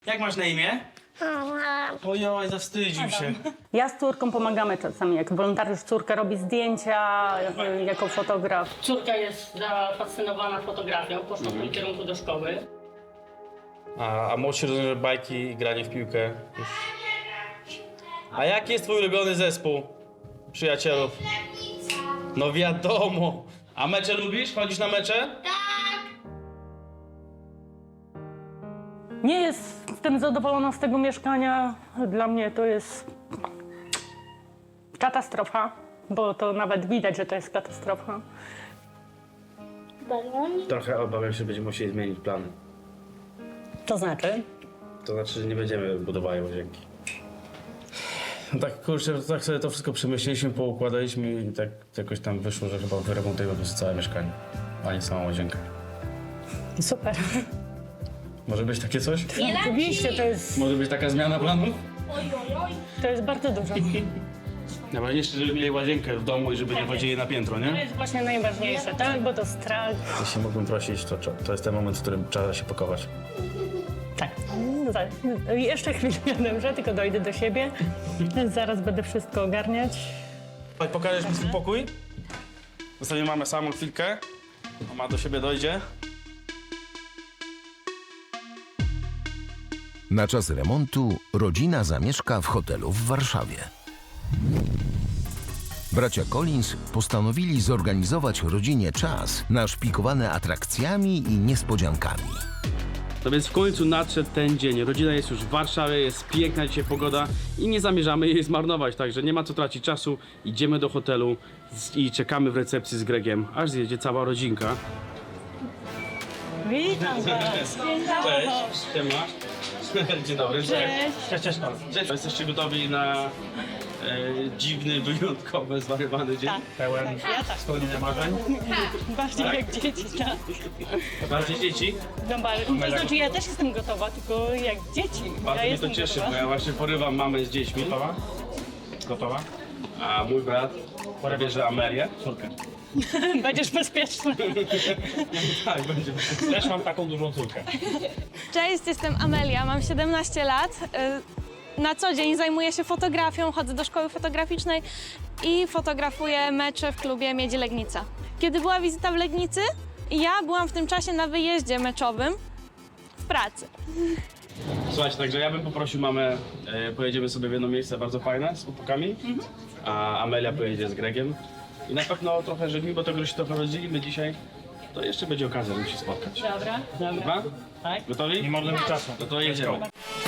Jak masz na imię? Ojoj, zawstydził się. Ja z córką pomagamy czasami, jak wolontariusz córka robi zdjęcia jako fotograf. Córka jest zafascynowana fotografią, poszła w tym kierunku do szkoły. A młodsi rozumiem, że bajki i granie w piłkę. A jaki jest twój ulubiony zespół przyjacielów? No wiadomo. A mecze lubisz? Chodzisz na mecze? Nie jestem zadowolona z tego mieszkania. Dla mnie to jest katastrofa, bo to nawet widać, że to jest katastrofa. Trochę obawiam się, że będziemy musieli zmienić plany. To znaczy? To znaczy, że nie będziemy budowali łazienki. No tak, kurczę, tak sobie to wszystko przemyśleliśmy, poukładaliśmy i tak jakoś tam wyszło, że chyba wyremontujemy po prostu całe mieszkanie, a nie samą łazienkę. Super. Może być takie coś? Oczywiście Może być taka zmiana planu? to jest bardzo dużo. Najważniejsze, żeby mieli łazienkę w domu i żeby nie chodzili na piętro, To nie? jest właśnie najważniejsze, tak? Bo to strach. Jeśli mógłbym prosić, to jest ten moment, w którym trzeba się pakować. Tak. Jeszcze chwilę, dobrze, tylko dojdę do siebie. Zaraz będę wszystko ogarniać. Pokażesz mi swój pokój? Zostawimy mamę samą chwilkę. Mama do siebie dojdzie. Na czas remontu rodzina zamieszka w hotelu w Warszawie. Bracia Collins postanowili zorganizować rodzinie czas naszpikowany atrakcjami i niespodziankami. No więc w końcu nadszedł ten dzień. Rodzina jest już w Warszawie, jest piękna dzisiaj pogoda i nie zamierzamy jej zmarnować, także nie ma co tracić czasu. Idziemy do hotelu i czekamy w recepcji z Gregiem, aż zjedzie cała rodzinka. Witam was. Cześć, siema. Dzień dobry. Cześć. Cześć. Jesteście gotowi na dziwny, wyjątkowy, zwariowany dzień? Tak. Pełen spełnienia marzeń? Bardziej jak dzieci, tak. Bardziej dzieci? No, to znaczy ja też jestem gotowa, tylko jak dzieci. Bardzo Ja mnie jestem to cieszy, gotowa. bo ja właśnie porywam mamę z dziećmi. Gotowa? Gotowa? A mój brat bierze Amelię, córkę. Będziesz bezpieczny. Tak, będzie. Też mam taką dużą córkę. Cześć, jestem Amelia, mam 17 lat. Na co dzień zajmuję się fotografią, chodzę do szkoły fotograficznej i fotografuję mecze w klubie Miedzi Legnica. Kiedy była wizyta w Legnicy, ja byłam w tym czasie na wyjeździe meczowym w pracy. Słuchajcie, także ja bym poprosił mamę, pojedziemy sobie w jedno miejsce bardzo fajne z chłopakami, a Amelia pojedzie z Gregiem. I na pewno trochę, że mimo tego, że się trochę rozdzielimy dzisiaj, to jeszcze będzie okazja, żeby się spotkać. Dobra. Dobra? Tak. Gotowi? Nie marnujmy czasu. No to jedziemy.